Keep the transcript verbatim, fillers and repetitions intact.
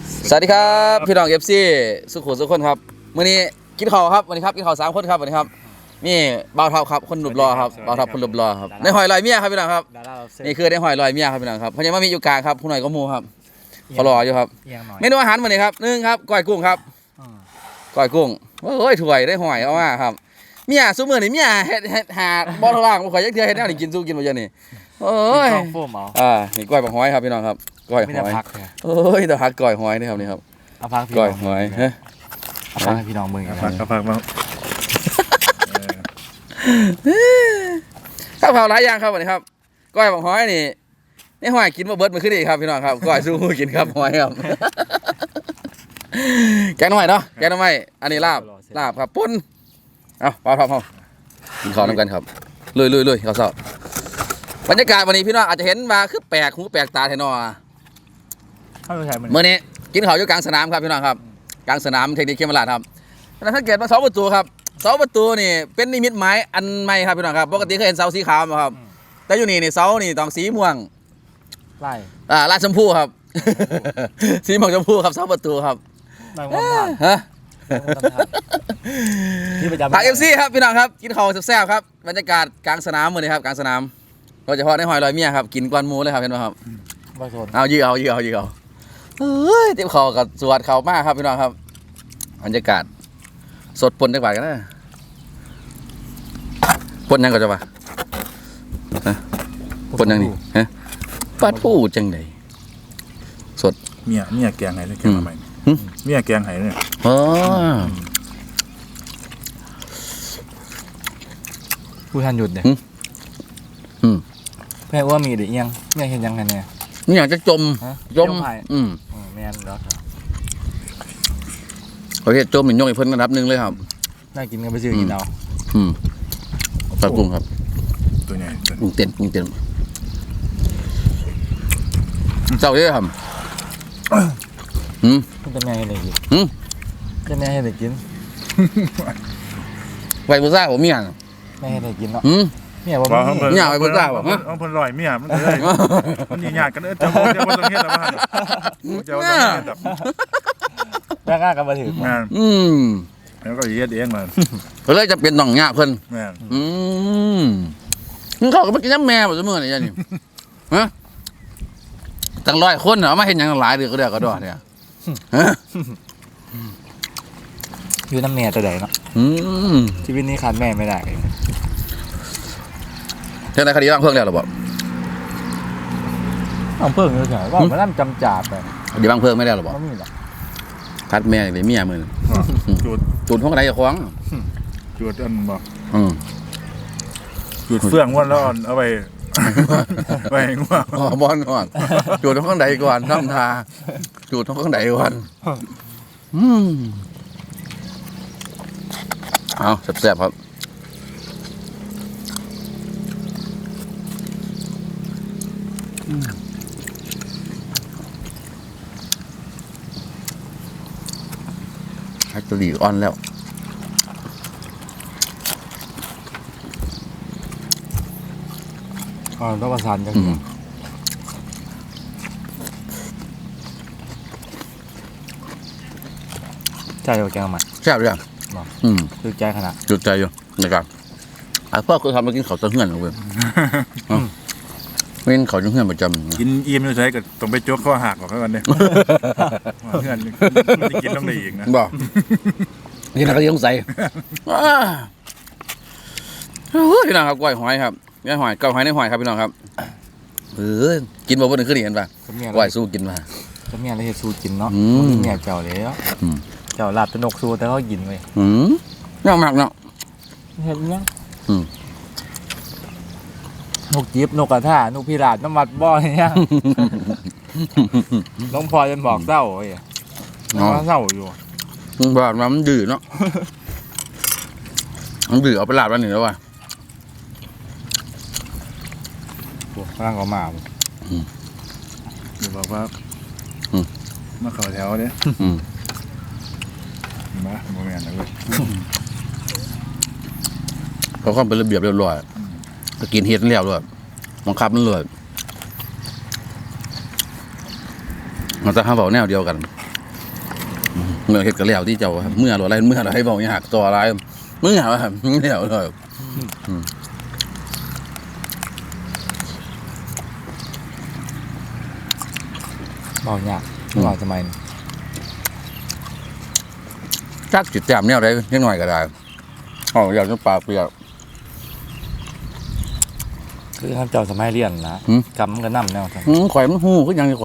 สวัสดีครับพี่น้องเอฟซีสุขุมสุขคนครับมื้อนี้กินข้าวครับวันนี้ครับกินข้าวสามคนครับวันนี้ครับนี่บ่าวเท่าครับคนหลุบรอครับบ่าวเท่าคนหลุบรอครับในหอยลอยเมียครับพี่น้องครับนี่คือในหอยลอยเมียครับพี่น้องครับเพราะยังไม่มีอยู่กลางครับผู้หน่อยก็มูครับเขารออยู่ครับเมนูอาหารวันนี้ครับหนึ่งครับก้อยกุ้งครับก้อยกุ้งโอ้ยถวยได้หอยเอามาครับเมียซุมื้อนี่เมียเฮ็ดเฮ็ดหาบ่ทล่างบ่ค่อยจักเทื่อเฮ็ดแนวนี่กินสู้กินบ่เยอะนี่โอ้ยอ่านี่ก้อยบักหอยครับพี่น้องครับก้อยหอยโอ้ยแต่พักก้อยหอยนี่ครับนี่ครับเอาพักพี่ก้อยหอยฮะเอาพักให้พี่น้องมึงเอาพักเอาพักมาข้าวเผาหลายอย่างครับวันนี้ครับก้อยบักหอยนี่นี่หอยกินมาเบิดมาขึ้นอีกครับพี่น้องครับก้อยสู้กินครับหอยครับแกงหน่อยเนาะแกงหน่อยอันนี้ลาบลาบครับปุ้นเอาพอพอพอกินข้าวน้ำกันครับลุยลุยลุยข้าวเสาบรรยากาศวันนี้พี่น้องอาจจะเห็นมาคือแปลกหูแปลกตาแทนอเมื่อนี้กินข้าวอยู่กลางสนามครับพี่น้องครับกลางสนามเทคนิคเคมราดครับแล้วสังเกตว่าเสาประตูครับเสาประตูนี่เป็นนิมิตหมายอันใหม่ครับพี่น้องครับปกติเคยเห็นเสาสีขาวไหมครับแต่อยู่นี่นี่เสานี่ต้องสีม่วงไล่อ่าลายชมพูครับสีม่วงชมพูครับเสาประตูครับฮะผักเอฟซีครับพี่น้องครับกินข้าวแซ่บๆครับบรรยากาศกลางสนามมื้อนี้ครับกลางสนามโดยเฉพาะในหอยลอยเมียครับกินกวนหมูเลยครับเห็นไหมครับเอายื้อเอายื้อเอายื้อเอาเฮ้ยเต็มข้าวกับสวดข้าวมากครับพี่น้องครับบรรยากาศสดปนได้กว่ากันนะปนยังก็จะว่าปนยังนี่ฮะปัดผู้จังไดสดเมียเมียแกงไห้เลยแกงมาใหม่เมียแกงไห้เนี่ยอ๋อผู้ทันหยุดเนี่ยแม่ว่ามีหรือยังแม่เห็นยังไงเนี่ยนี่อยากจะจมจมอืมแม่นแล้วครับประเภทจมหนึ่งยกอีกเพิ่นระดับหนึ่งเลยครับน่ากินกันไปซื้อกินเอาอืมปลากุ้งครับตัวใหญ่กุ้งเต้นกุ้งเต้นเจ้าเยอะครับอืมจะแม่ให้เด็กกินอืมจะแม่ให้เด็กกินไวบุซ่าผมมีอย่างแม่ให้เด็กกินเนาะอืมเนี่ยว่าเนี่ยไวบุซ่าบอกฮะเอาเพิ่นลอยเมียมันเลยมันหยาดกันเออจะจะว่าต้องเฮ็ดอะไรบ้างจะว่าต้องเฮ็ดแบบแม่กล้ากันมาถืออืมแล้วก็เฮ็ดเองมันก็เลยจะเป็นน้องยากเพิ่นแม่อืมมึงเข้ากับมากินน้ำแม่บ่เสมอนี่ยันนี่ฮะตั้งร้อยคนเหรอมาเห็นอย่างหลายเดือก็เดือก็ดอเนี่ยฮะอยู่น้ำแม่ตัวใดเนาะชีวิตนี้ขาดแม่ไม่ได้เท่าไหร่คดีร่างเพิ่งแล้วหรอบอกร่างเพิ่งเลยใช่ว่ามันร่ำจำจ่าไปคดีร่างเพิ่งไม่ได้หรอบอกคัดแม่เลยเมียมือจุดจุดห้องไหนจะคว้างจุดอันบอกจุดเฟื่องวันแล้วเอาไปไปง่วงอ๋อบอลก่อนจุดห้องไหนก่อนทำทาจุดห้องไหนก่อนอืมเอาแซ่บๆครับฮัตตลีอ่อนแล้วอ๋อต้องประสานกันใช่เอาแกงมาแซ่บเลยอืมจุดใจขนาดจุดใจอยู่นะครับอ่ะพ่อเคยทำมากินข้าวต้มเหื่อนเอาเว้ยไม่กินข้าวต้มเหื่อนประจำกินอิ่มอยู่ใช่ก็ต้องไปโจ๊กข้อหักหรอกครับวันนี้เหื่อนกินต้องได้อีกนะบอกนี่นะก็ยังใส่พี่น้องครับก้อยหอยครับก้อยหอยก้อยหอยในหอยครับพี่น้องครับเออกินบ่บ่หนึ่งขึ้นเห็นป่ะก้อยสู้กินมาจะมีอะไรให้สู้กินเนาะเมียเจ้าแล้วเจ้าหลับตะนกสู้แต่เขากินเลยอืมน่ามากเนาะเห็นยังนกจีบนกกระทานกพิราบน้ำมัดบ่อยยังน้องพลอยจนบอกเศร้าไอ้น้องเศร้าอยู่บอกมันดื้อเนาะมันดื้อเอาไปลาบแล้วหนึ่งแล้วว่ะร่างก็มาเดี๋ยวบอกว่ามาเข้าแถวเนี่ยมาโมเมนต์นะเว้ยเขาค่อนเป็นระเบียบเรียบร้อยก็กินเห็ดแล้วด้วยบังคับมันเลยมันจะห้ามบอกแนวเดียวกันเมื่อเฮ็ดก็แล้วที่เจ้าครับเมื่ออะไรเมื่ออะไรบอกอย่าหักตัวอะไรเมื่อว่าแล้วเลยเบายากไม่บอกทำไมจักจิตแต้มแนวใดนิดหน่อยก็ได้อ๋ออยากจะปากเปียกคือท่านเจ้าสมัยเรียนนะหืมกำมันก็นำแนวทางอืมข่อยมันฮู้คือหยัง